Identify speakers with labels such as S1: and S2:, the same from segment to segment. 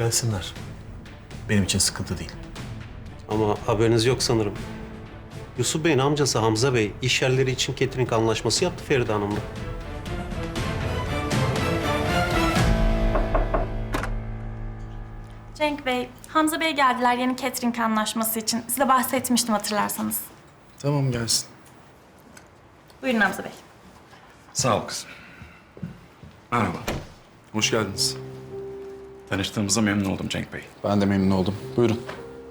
S1: Gelsinler. Benim için sıkıntı değil.
S2: Ama haberiniz yok sanırım. Yusuf Bey'in amcası Hamza Bey iş yerleri için catering anlaşması yaptı Feride Hanım'la.
S3: Cenk Bey, Hamza Bey geldiler yeni catering anlaşması için. Size bahsetmiştim hatırlarsanız.
S4: Tamam gelsin.
S3: Buyurun Hamza Bey.
S4: Sağ ol kızım. Merhaba. Hoş geldiniz. Tanıştığımıza memnun oldum Cenk Bey.
S5: Ben de memnun oldum. Buyurun.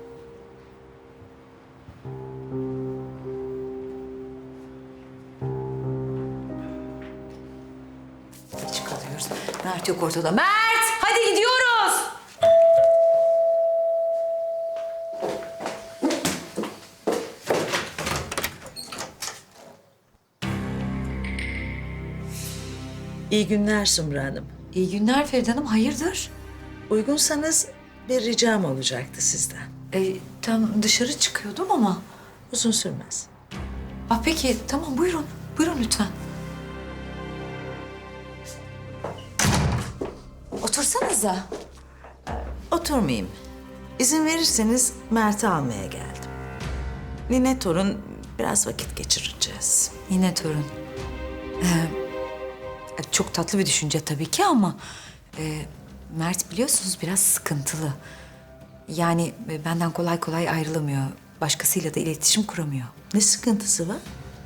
S6: Geç kalıyoruz. Mert yok ortada. Mert! Hadi gidiyoruz!
S7: İyi günler Sumru Hanım.
S6: İyi günler Feride Hanım. Hayırdır?
S7: Uygunsanız bir ricam olacaktı sizden.
S6: Tam dışarı çıkıyordum ama.
S7: Uzun sürmez.
S6: Peki tamam buyurun. Buyurun lütfen. Otursanıza.
S7: Oturmayayım. İzin verirseniz Mert'i almaya geldim. Nine torun biraz vakit geçireceğiz.
S6: Yine torun. Çok tatlı bir düşünce tabii ki ama... Mert biliyorsunuz biraz sıkıntılı. Yani benden kolay kolay ayrılamıyor. Başkasıyla da iletişim kuramıyor.
S7: Ne sıkıntısı var?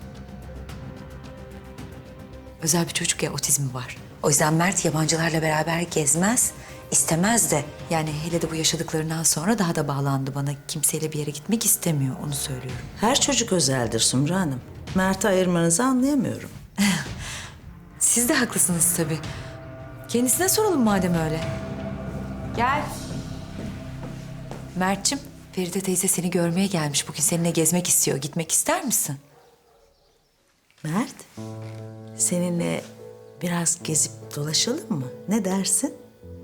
S6: Özel bir çocuk ya, otizmi var. O yüzden Mert yabancılarla beraber gezmez, istemez de. Yani hele de bu yaşadıklarından sonra daha da bağlandı bana. Kimseyle bir yere gitmek istemiyor, onu söylüyorum.
S7: Her çocuk özeldir Sumru Hanım. Mert'i ayırmanızı anlayamıyorum.
S6: Siz de haklısınız tabii. Kendisine soralım madem öyle. Gel. Mert'cim, Feride teyze seni görmeye gelmiş. Bugün seninle gezmek istiyor. Gitmek ister misin?
S7: Mert, seninle biraz gezip dolaşalım mı? Ne dersin?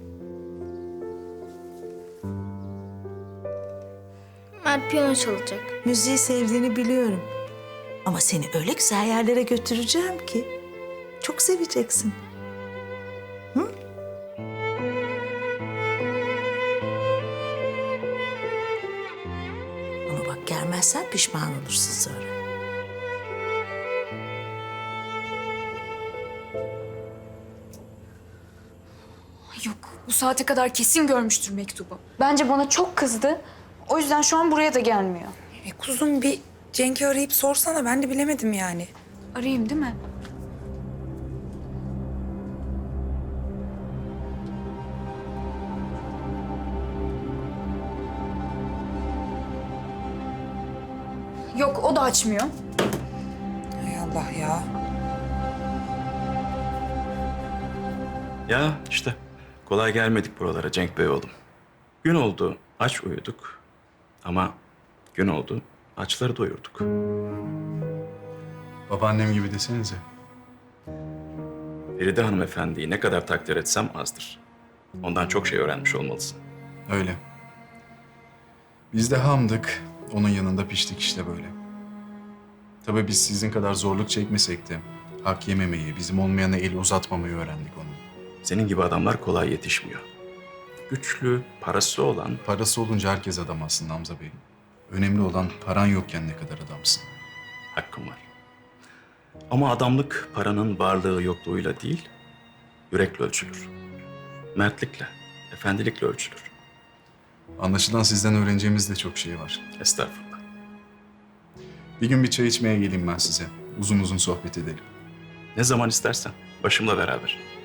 S8: Mert piyano çalacak.
S7: Müziği sevdiğini biliyorum. Ama seni öyle güzel yerlere götüreceğim ki çok seveceksin. Ama bak gelmezsen pişman olursun sonra.
S9: Yok, bu saate kadar kesin görmüştür mektubu. Bence bana çok kızdı. O yüzden şu an buraya da gelmiyor.
S10: Kuzum bir Cenk'i arayıp sorsana. Ben de bilemedim yani.
S9: Arayayım değil mi? Yok, o da açmıyor.
S10: Hay Allah ya.
S4: Ya işte kolay gelmedik buralara Cenk Bey oğlum. Gün oldu aç uyuduk. Ama gün oldu açları doyurduk.
S5: Babaannem gibi desenize.
S4: Feride hanımefendiyi ne kadar takdir etsem azdır. Ondan çok şey öğrenmiş olmalısın.
S5: Öyle. Biz de hamdık. Onun yanında piştik işte böyle. Tabii biz sizin kadar zorluk çekmesek de hak yememeyi, bizim olmayana el uzatmamayı öğrendik onun.
S4: Senin gibi adamlar kolay yetişmiyor. Güçlü, parası olan...
S5: Parası olunca herkes adam aslında Hamza Bey. Önemli olan paran yokken ne kadar adamsın.
S4: Hakkım var. Ama adamlık paranın varlığı yokluğuyla değil, yürekle ölçülür. Mertlikle, efendilikle ölçülür.
S5: Anlaşılan sizden öğreneceğimiz de çok şey var.
S4: Estağfurullah.
S5: Bir gün bir çay içmeye geleyim ben size. Uzun uzun sohbet edelim.
S4: Ne zaman istersen, başımla beraber.